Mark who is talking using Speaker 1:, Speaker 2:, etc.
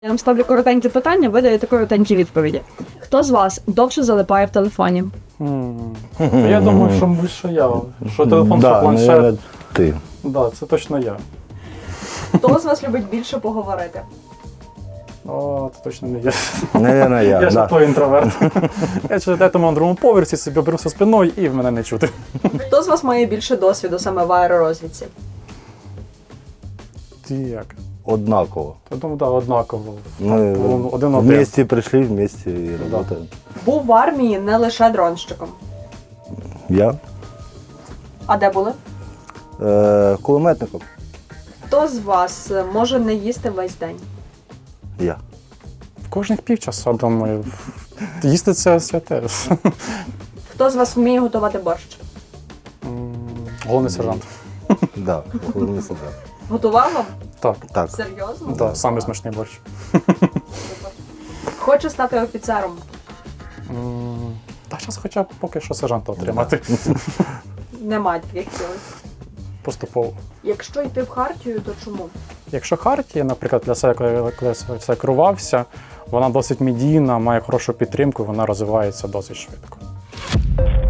Speaker 1: Я вам ставлю коротенькі питання, ви даєте коротенькі відповіді. Хто з вас довше залипає в телефоні?
Speaker 2: Я думаю, що більше я. Що телефон, що
Speaker 3: Да,
Speaker 2: планшет.
Speaker 3: наверное, ти.
Speaker 2: Да, це точно я.
Speaker 1: Хто з вас любить більше поговорити?
Speaker 2: О, це точно не я.
Speaker 3: Наверное, я.
Speaker 2: Я ж
Speaker 3: Да.
Speaker 2: той інтроверт. Я ще десь на другому поверсі собі оберуся спиною і в мене не чути.
Speaker 1: Хто з вас має більше досвіду саме в аеророзвідці?
Speaker 2: Ти як?
Speaker 3: Однаково.
Speaker 2: Я думаю, так, однаково.
Speaker 3: Ми
Speaker 2: Один-один.
Speaker 3: вместе прийшли, вместе і працюємо.
Speaker 1: Був в армії не лише дронщиком.
Speaker 3: Я
Speaker 1: А де були?
Speaker 3: кулеметником.
Speaker 1: Хто з вас може не їсти весь день?
Speaker 3: Я.
Speaker 2: Кожних півчаса, думаю. Їсти це святе.
Speaker 1: Хто з вас вміє готувати борщ?
Speaker 2: Головний сержант.
Speaker 3: Да, головний солдат.
Speaker 1: Готував вам?
Speaker 2: Так,
Speaker 3: Так.
Speaker 1: Серйозно?
Speaker 2: так, самий смачний борщ.
Speaker 1: Хоче стати офіцером.
Speaker 2: Та зараз хоча б поки що сержанта отримати.
Speaker 1: Нема таких цілей.
Speaker 2: Поступово.
Speaker 1: Якщо йти в хартію, то чому?
Speaker 2: Якщо хартія, наприклад, для себе, коли я все керувався, вона досить медійна, має хорошу підтримку, вона розвивається досить швидко.